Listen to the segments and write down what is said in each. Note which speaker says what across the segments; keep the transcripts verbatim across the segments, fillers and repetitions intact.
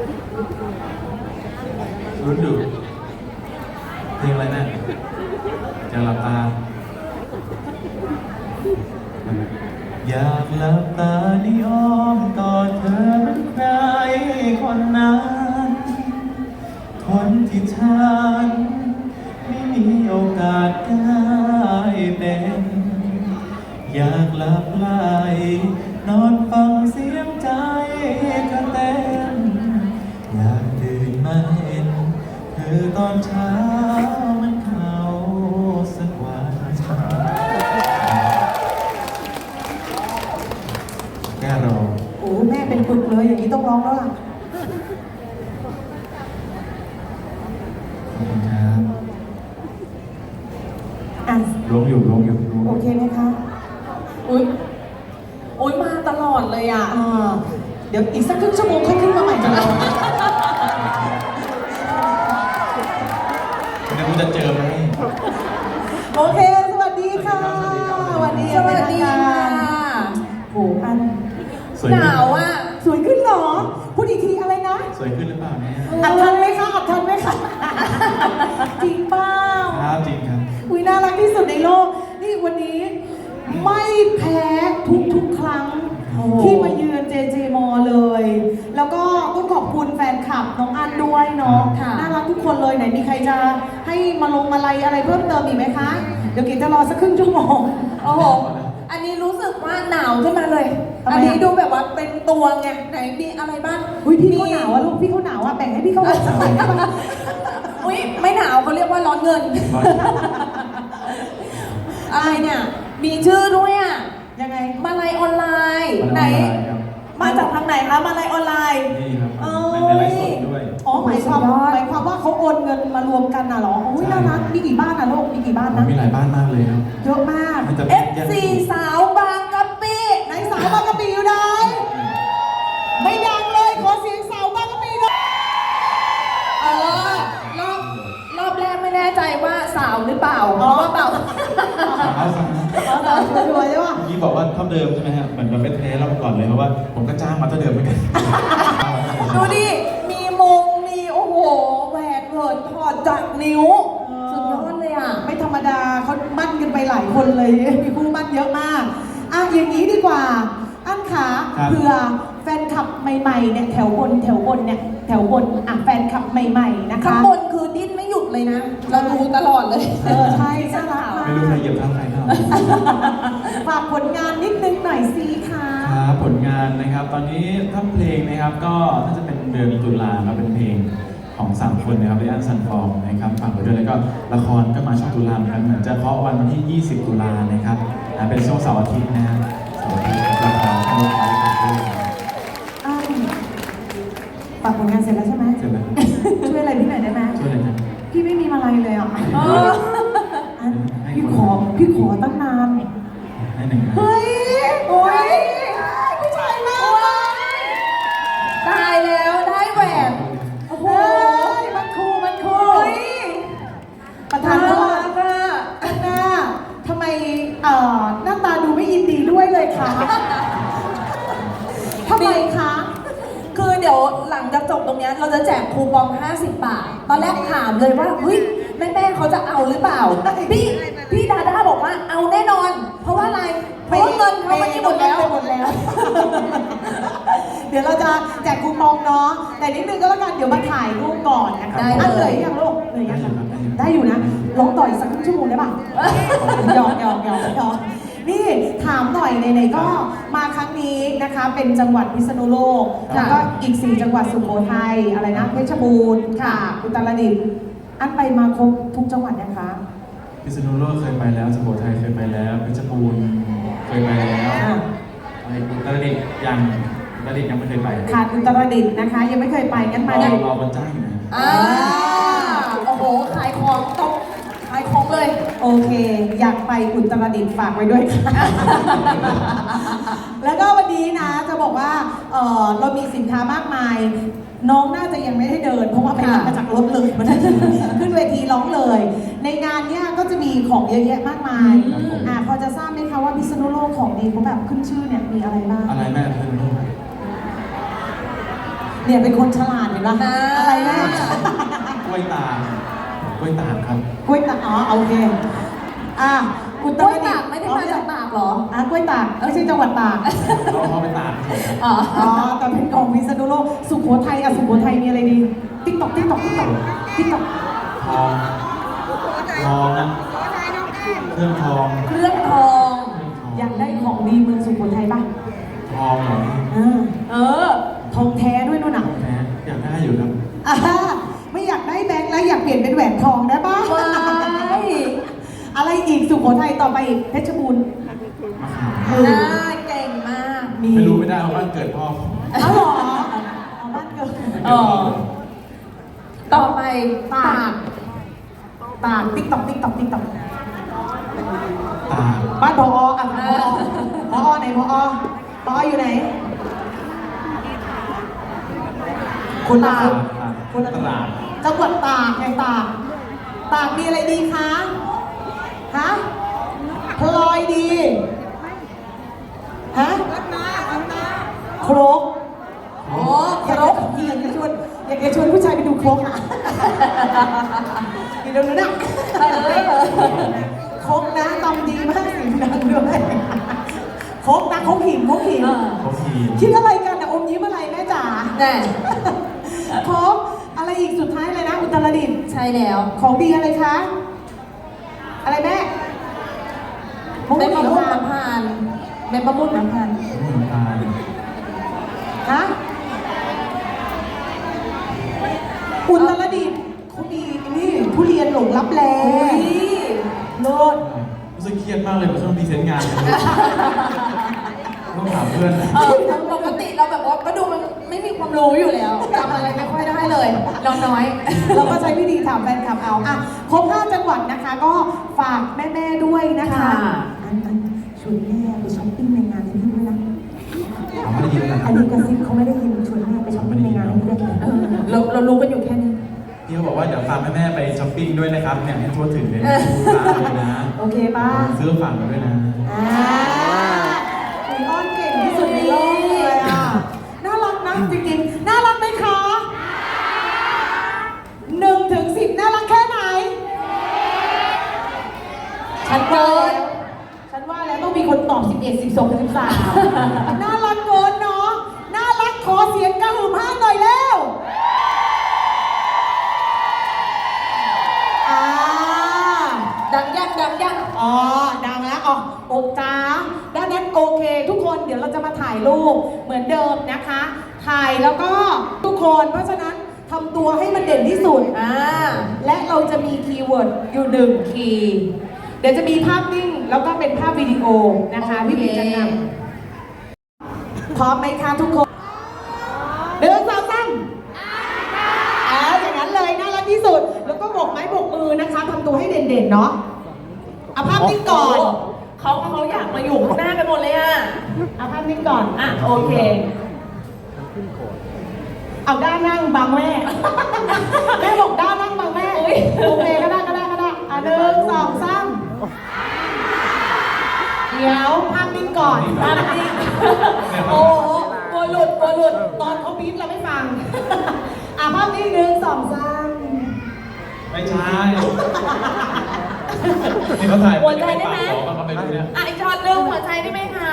Speaker 1: รุ่นดูเพลงอะไรแม่จะหลับตาอยากหลับตาในอ้อมกอดเธอเป็นใครคนนั้นคนที่ฉันไม่มีโอกาสได้เป็นอยากหลับไหลนอนฟังเสียงใจเธอเต้นอยากตื่นมาเห็นเธอตอนเช้ามันเขาสักวันแก้รอ
Speaker 2: โอ้แม่เป็นปึกเลยอย่างนี้ต้องร้องแล้วล่ะ
Speaker 1: ขอบคุณครับ
Speaker 2: อ่ะ
Speaker 1: ร้องอยู่ร้องอยู่
Speaker 2: โอเคไหมคะ
Speaker 3: อุ้ยอุ้ยมาตลอดเลยอ่ะ
Speaker 2: อ่าเดี๋ยวอีกสักครึ่งชั่วโมงค่อยขึ้นมาใหม่จะรอ
Speaker 1: เดี๋ยวคุณจะเจอไหม
Speaker 2: โอเคสวัสดีค่ะสวัสดี
Speaker 3: สวัสดีค่ะ
Speaker 2: โหอัน
Speaker 3: หนาวอ่ะ
Speaker 2: สวยขึ้นเหรอพูดอีกทีอะไรนะ
Speaker 1: สวยขึ้นหรือเปล่าเนี่ย
Speaker 2: อัดทันไหมคะอัดทันไหมคะจริงเปล่า
Speaker 1: ครับจริงครับ
Speaker 2: อุ้ยน่ารักที่สุดในโลกนี่วันนี้ไม่แพ้ทุกทุกครั้งที่มาเยือนเจเจมอเลย แล้วก็ต้องขอบคุณแฟนคลับน้องอันด้วยเนาะน่ารักทุกคนเลยไหนมีใครจะให้มาลงมาลัยอะไรเพิ่มเติมอีกไหมคะเดี๋ยวกินจะรอสักครึ่งชั่วโมง
Speaker 3: โอ้โหอันนี้รู้สึกว่าหนาวขึ้นมาเลยอันนี้ดูแบบว่าเป็นตัวไงไหนมีอะไรบ้าง
Speaker 2: อุ้ยพี่เขาหนาวอะลูกพี่เขาหนาวอะแบ่งให้พี่เขาสักหน่อยได้ไหม
Speaker 3: อุ้ยไม่หนาวเขาเรียกว่าร้อนเงินอะไรเนี่ยมีชื่อด้วยอ่ะ
Speaker 2: ยังไง
Speaker 3: มาลัยออนไลน์ไหนมาจากทางไหนคะมาลัยออนไลน์
Speaker 1: นี่ครับเป็นไลฟ์สดด้วย
Speaker 2: อ๋อหมายความหมายความว่าเขาโอนเงินมารวมกันน่ะหรออุ้ยน่ารักมีกี่บ้านนะลูกมีกี่บ้านนะ
Speaker 1: มีหลายบ้านมากเลยครับ
Speaker 2: เยอะมาก
Speaker 3: เอฟ ซี สาวบางกะปิ
Speaker 2: ไหนสาวบางกะปิอยู่ไหนไม่ดังเลยขอเสียงสาวบางกะปิหน่อย
Speaker 3: เออรอบรอบแรกไม่แน่ใจว่าสาวหรือเปล่าอ๋อเปล่า
Speaker 1: สาวสาว
Speaker 2: สาวสวยใช่ป่ะ
Speaker 1: เมื่อกี้บอกว่าเท่าเดิมใช่ไหมฮะเหมือนมันเป็นเทสเราก่อนเลยเพราะว่าผมก็จ้างมาเท่าเดิมเหมือนกัน
Speaker 3: ดูดิมีมงมีโอ้โหแหวนเหินถอดจากนิ้วสุดยอดเลยอ่ะ
Speaker 2: ไม่ธรรมดาเขามั่นกันไปหลายคนเลยมีคู่มั่นเยอะมากอ่ะอย่างนี้ดีกว่าอันขาเผื่อแฟนคลับใหม่ๆเนี่ยแถวบนแถวบนเนี่ยแถวบนอ่ะแฟนคลับใหม่ๆนะคะ
Speaker 3: ข้างบนคือดิ้นไม่หยุดเลยนะเราดูตลอดเลย
Speaker 2: เออใช่น่ารัก
Speaker 1: ไม่รู้ใครเหยียบเท้าใครเท่า
Speaker 2: ฝากผลงานนิดนึงหน่อยสิคะ
Speaker 1: ครับผลงานนะครับตอนนี้ถ้าเพลงนะครับก็น่าจะเป็นเดือนตุลาครับเป็นเพลงของสามคนนะครับเรอันซันฟอร์มนะครับฝากไว้ด้วยแล้วก็ละครก็มาช่วงตุลาเหมือนกันเหมือนจะเคาะวันวันที่ยี่สิบตุลานะครับเป็นช่วงเสาร์อาทิตย์นะครับเสาร์อาทิตย์ละครก็มาด้วย
Speaker 2: ฝากผลงานเสร็จแล้วใช่ไหม
Speaker 1: เสร็จแล้ว
Speaker 2: ช่วยอะไรพี่หน่อยได้ไหม
Speaker 1: ช่วยอะไรนะ
Speaker 2: พี่ไม่มีมาลัยเลยอ่ะพี่ขอพี่ขอตั้งนาน
Speaker 1: ให้หนึ่ง
Speaker 2: เฮ้ยโอ้ยผู้ชายมาก
Speaker 3: ตายแล้วได้แหวน
Speaker 2: โอ้โหมันคูมันคูประธานโทษข้างหน้าทำไมเอ่อหน้าตาดูไม่ยินดีด้วยเลยคะทำไมคะ
Speaker 3: คือเดี๋ยวหลังจากจบตรงนี้เราจะแจกคูปองห้าสิบบาทตอนแรกถามเลยว่าเฮ้ยแม่แม่เขาจะเอาหรือเปล่าพี่พี่ดาด้าบอกว่าเอาแน่นอนเพราะว่าอะไรเพราะว่าเงินเขาไม่ได้หมดแล้ว
Speaker 2: หมดแล้วเดี๋ยวเราจะแจกคูปองเนาะแต่นิดนึงก็แล้วกันเดี๋ยวมาถ่ายรูปก่อนนะคะได้เลยยังลูกเลยยังได้อยู่นะลองต่อยสักครึ่งชั่วโมงได้ป่ะหยอกหยอกหยอกหยอกนี่ถามหน่อยไหนๆก็มาครั้งนี้นะคะเป็นจังหวัดพิษณุโลกแล้วก็อีกสี่จังหวัดสุโขทัยอะไรนะเพชรบูรณ์ค่ะอุตรดิตถ์อันไปมาครบทุกจังหวัดนะคะ
Speaker 1: พิษณุโลกเคยไปแล้วสุโขทัยเคยไปแล้วเพชรบูรณ์เคยไปแล้วอะไรอุตรดิตถ์ยังอุตรดิตถ์ยังไม่เคยไป
Speaker 2: ค่ะอุตรดิตถ์นะคะยังไม่เคยไปงั้นมา
Speaker 1: ได้รอวันจ้างอยู่นะ
Speaker 3: อ่าโอ้โหขายของต้องขายของเลย
Speaker 2: โอเคอยากไปอุตรดิตถ์ฝากไว้ด้วยค่ะแล้วก็วันนี้นะจะบอกว่าเออเรามีสินค้ามากมายน้องน่าจะยังไม่ได้เดินเพราะว่าไปรับมาจากรถเลยมันขึ้นเวทีร้องเลยในงานเนี้ยก็จะมีของเยอะแยะมากมายอ่าพอจะทราบไหมคะว่าพิษณุโลกของดีเขาแบบขึ้นชื่อเนี่ยมีอะไรบ้าง
Speaker 1: อะไรแม่พิษณุโลก
Speaker 2: เนี่ยเป็นคนฉลาดเห็นปะ
Speaker 3: อ่า
Speaker 2: อะไรนะ
Speaker 1: กล้วยตากกล้วยตากครับ
Speaker 2: กล้วยตากอ๋อโอเคอ่ะอุต
Speaker 3: ก
Speaker 2: ร
Speaker 3: ล้วย
Speaker 2: ดิ
Speaker 3: ตาก
Speaker 2: ตถ์
Speaker 3: ไม่ได้มาจากตากเหรอ
Speaker 2: อ่ะกล้วยตากไม่ใช่จังหวัดตาก
Speaker 1: เราเอาไปตาก
Speaker 3: อ๋อ
Speaker 2: อ๋อแต่เป็นของพิษณุโลกสุโขทัยอ่ะสุโขทัยมีอะไรดีติ๊กตอกติ๊กตอกติ๊กตอกติ๊กตอก
Speaker 1: ทองทองนะเครื่องทอง
Speaker 3: เครื่องทอง
Speaker 2: อยากได้ของดีเมืองสุโขทัยป่ะ
Speaker 1: ทองเหรอ
Speaker 2: เออเออทองแท้ด้วยนู่นน่ะ
Speaker 1: แหมอยากได้อยู่ครับ
Speaker 2: อ่าไม่อยากได้แบงค์แล้วอยากเปลี่ยนเป็นแหวนทองได้ป่ะ
Speaker 3: ว้าย
Speaker 2: อะไรอีกสุโขทัยต่อไปอีกเพชรบูรณ์
Speaker 1: มะขาม
Speaker 2: เออ
Speaker 3: น่าเก่งมาก
Speaker 2: มี
Speaker 1: ไม่รู้ไม่ได้เพราะบ้านเกิดพ่อ
Speaker 2: เอาเหรอเอาบ้านเกิด
Speaker 3: เออต่อไปตาก
Speaker 2: ตากติ๊กตอกติ๊กตอกติ๊กตอก
Speaker 1: ตาก
Speaker 2: บ้านพออ่ะพอพอไหนพอพออยู่ไหนคุณตา
Speaker 1: ตาก
Speaker 2: คุณ
Speaker 1: ตลาด
Speaker 2: จังหวัดตากไงตาก ตากมีอะไรดีคะ ฮะ พลอยดี ฮะโครก
Speaker 3: โอ้
Speaker 2: อยากจะอยากจะชวนอยากจะชวนผู้ชายไปดูโครกอ่ะอยู่ตรงนั้นอ่ะ
Speaker 3: เออ
Speaker 2: โครกนะตำดีมากเสียงดังด้วยโครกนะโครกหินโครกหิน
Speaker 3: เออ
Speaker 1: เขาพี
Speaker 2: คิดอะไรกันนะอมยิ้มอะไรแม่จ๋า
Speaker 3: แน่
Speaker 2: โครกอะไรอีกสุดท้ายเลยนะ อุตรดิตถ์
Speaker 3: ใช่แล้ว
Speaker 2: ของดีอะไรคะ อะไรแม่
Speaker 3: เป็นมะม่วง
Speaker 2: น้ำ
Speaker 3: น้ำพานเป็นมะม่วงน้ำพาน
Speaker 1: เหมือนตาล
Speaker 2: ฮะอุตรดิตถ์เขามีนี่ทุเรียนหลงลับแล
Speaker 3: อุ้ย
Speaker 2: โลด
Speaker 1: รู้สึกเครียดมากเลยเมื่อช่วงพรีเซนต์งานต้องถามเพื่อน
Speaker 3: เออปกติเราแบบว่าก็ดูมันไม่มีความรู้อยู่แล้วจำอะไรไม่ค่อยได้เลยน้องน้อย
Speaker 2: เราก็ใช้วิธีถามแฟนคลับเอาอ่ะครบห้าจังหวัดนะคะ ก็ฝากแม่ๆด้วยนะคะ
Speaker 3: ค่ะ
Speaker 2: อันอันชวนแม่ไปช้อปปิ้งในงานที่นี่ด้วยนะ
Speaker 1: ถามไม่ได้ยินนะค
Speaker 2: อั
Speaker 1: รั
Speaker 2: น
Speaker 1: บ
Speaker 2: นี้กระซิบเขาไม่ได้ยินชวนแม่ไปช้อปปิ้งในงานที่นี่ด้วย
Speaker 3: เออเราเรารู้กันอยู่แค่นี้
Speaker 1: พี่เขาบอกว่าเดี๋ยวพาแม่ๆไปช้อปปิ้งด้วยนะครับเนี่ยให้ทั่วถึงเลยนะร้านเลยนะ
Speaker 2: โอเคป่ะ
Speaker 1: ซื้อฝากกันด้วยนะ
Speaker 2: อ่าคุยอ้อนเก่งที่สุดในโลกเลยอ่ะ น่ารักนะจริงๆ น่ารักไหมคะหนึ่งถึงสิบน่ารักแค่ไหน ฉันเกิน ฉันว่าแล้วต้องมีคนตอบสิบเอ็ด สิบสอง สิบสามน่ารักเกินเนาะ น่ารักขอเสียงกระหึ่มห้าหน่อยแล้ว อ่า
Speaker 3: ดังยังดังยัง
Speaker 2: อ๋อ ดังแล้วอ๋อโอจ้าด้านนั้นโอเคทุกคนเดี๋ยวเราจะมาถ่ายรูปเหมือนเดิมนะคะ ถ่ายแล้วก็ทุกคนเพราะฉะนั้นทำตัวให้มันเด่นที่สุด
Speaker 3: อ่า
Speaker 2: และเราจะมีคีย์เวิร์ดอยู่หนึ่งคีย์เดี๋ยวจะมีภาพนิ่งแล้วก็เป็นภาพวิดีโอนะคะ
Speaker 3: โอเค
Speaker 2: พี่บิ๊กจะนำพร้อมไหมคะทุกคนเดินสาวซ้ำอ่าอย่างนั้นเลยน่ารักที่สุด แล้วก็โบกไม้โบกมือนะคะทำตัวให้เด่นๆเนาะเอาภาพนิ่งก่อน
Speaker 3: เขาเขาอยากมาอยู่ข้างหน้ากันหมดเลยอ่ะ
Speaker 2: เอาภาพนิ่งก่อน
Speaker 3: อ่ะโอเค
Speaker 2: เอาด้านนั่งบังแม่ แม่บอกด้านนั่งบังแม่
Speaker 3: อุ๊ย
Speaker 2: โอเคก็ได้ก็ได้ก็ได้อ่ะหนึ่งสองสามเดี๋ยวภาพนิ่งก่อนภาพนิ่ง
Speaker 3: โอ้โหกลัวหลุดกลัวหลุด
Speaker 2: ตอนเขาบีบเราไม่ฟัง อ่ะภาพนิ่งหนึ่งสองสาม
Speaker 1: ไม่ใช่นี่เขาถ่าย
Speaker 3: หัวใจได้ไหม
Speaker 1: ปากขอเขาไปดูเนี่ย
Speaker 3: อ่ะอีกช็อตหนึงหัวใจได้ไหมคะ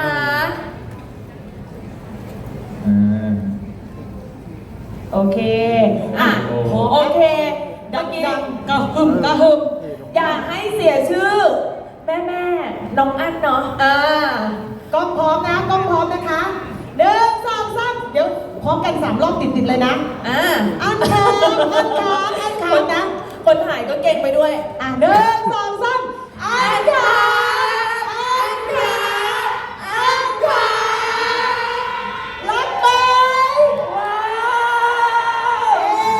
Speaker 1: อ่า
Speaker 2: โอเค อ่ะ
Speaker 1: โอ้โห
Speaker 3: โอเค
Speaker 2: ดั
Speaker 3: เมื่
Speaker 2: ง
Speaker 3: อกี้
Speaker 2: ดังกระหึ่มกระหึ่ม
Speaker 3: อยากให้เสียชื่อ แม่แม่ๆน้องอั้นเนาะอ่า
Speaker 2: กล้องพร้อมนะกล้องพร้อมนะคะหนึ่งสองสามเดี๋ยวพร้อมกันสามรอบติดๆเลยนะ
Speaker 3: อ่า
Speaker 2: อันค้างอันค้างอันค้างนะ
Speaker 3: คนถ่ายก็เก่งไปด้วย
Speaker 2: อ่ะหนึ่งสองสามอันค้างอันค้างอันค้างรักไหมว้าวเย้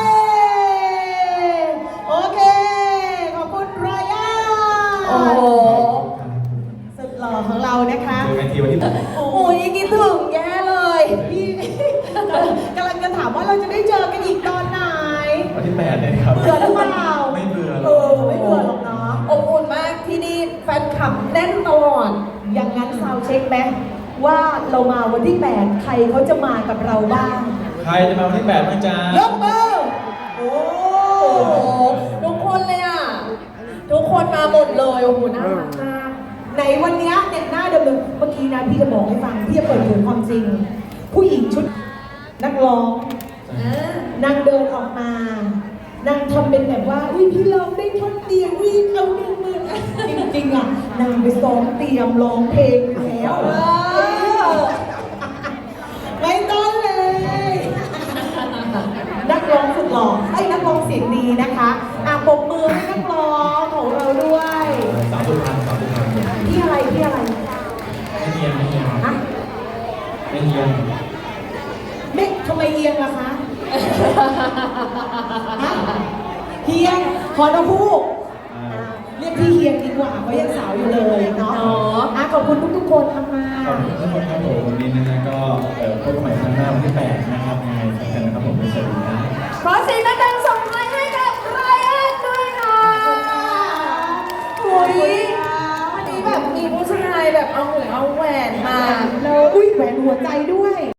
Speaker 2: โอเค ขอบคุณไรอัน
Speaker 3: โอ้โห
Speaker 2: สุดหล่อของเรานะคะ
Speaker 1: เจอกันทีวันที่ผม
Speaker 3: โอ้โหยังคิดถึงแย่เลย
Speaker 2: พี่กำลังจะถามว่าเราจะได้เจอกันอีกตอนไหน
Speaker 1: วันที่แปดเนี่ยครับ
Speaker 2: เบื่อหรือเปล่า
Speaker 1: ไม่เบื่อหร
Speaker 2: เอ
Speaker 1: อก
Speaker 2: อไม่เบื่อหรอกเนาะ
Speaker 3: อบอุ่นมากที่นี่แฟนคลับแน่นตลอด
Speaker 2: อย่างนั้นซาวเช็คไหมว่าเรามาวันที่แปดใครเขาจะมากับเราบ้าง
Speaker 1: ใครรจะมาวันที่แปดบ้างจ๊ะ
Speaker 2: ยกมือโอ้
Speaker 3: โอ้โหทุกคนเลยอ่ะ ทุกคนมาหมดเลยโอ้โหน่ารักมาก
Speaker 2: ไหนวันเนี้ยเนี่ยหน้าเดิมๆเมื่อกี้นะพี่จะบอกให้ฟังพี่จะเปิดเผยความจริง ผู้หญิงชุดนักร้อง
Speaker 3: อ่า
Speaker 2: นางเดินออกมานางทำเป็นแบบว่าอุ้ยพี่ร้องได้ท่อนเดียวอุ้ยเอาหนึ่งมือจริงๆอ่ะนางไปซ้อมเตรียมร้องเพลงอยู่แล้ว
Speaker 3: เออ
Speaker 2: ไม่ต้องเลย นักร้องสุดหล่อไอ้ยนักร้องเสียงดีนะคะอ่ะปรบมือให้นักร้องของเราด้วย
Speaker 1: สามสุพรรณสามสุพรรณ
Speaker 2: พี่อะไรพี่อะไร
Speaker 1: ไม่เฮียนไม่เฮียน
Speaker 2: ฮะ
Speaker 1: ไม่เฮียน
Speaker 2: ไม่ทำไมเอียงล่ะคะฮะเฮียงขอนพูก
Speaker 1: อ่า
Speaker 2: เรียกพี่เฮียงดีกว่าเพราะยังสาวอยู่เลยเนาะอ่ะขอบคุณทุกๆคนทำมา
Speaker 1: ขอบคุณทุกคนครับผมวันนี้นะฮะก็เอ่อพบกันใหม่ครั้งหน้าวันที่แปดนะครับยังไงสำคัญนะครับผมสวัสดีครับ
Speaker 3: ขอเสียงดังๆส่งท้ายให้กับไรอันด้วยค่ะโอ้ยวันนี้แบบมีผู้ชายแบบเอาหัวเอาแหวนมา
Speaker 2: แล้วอุ้ยแหวนหัวใจด้วย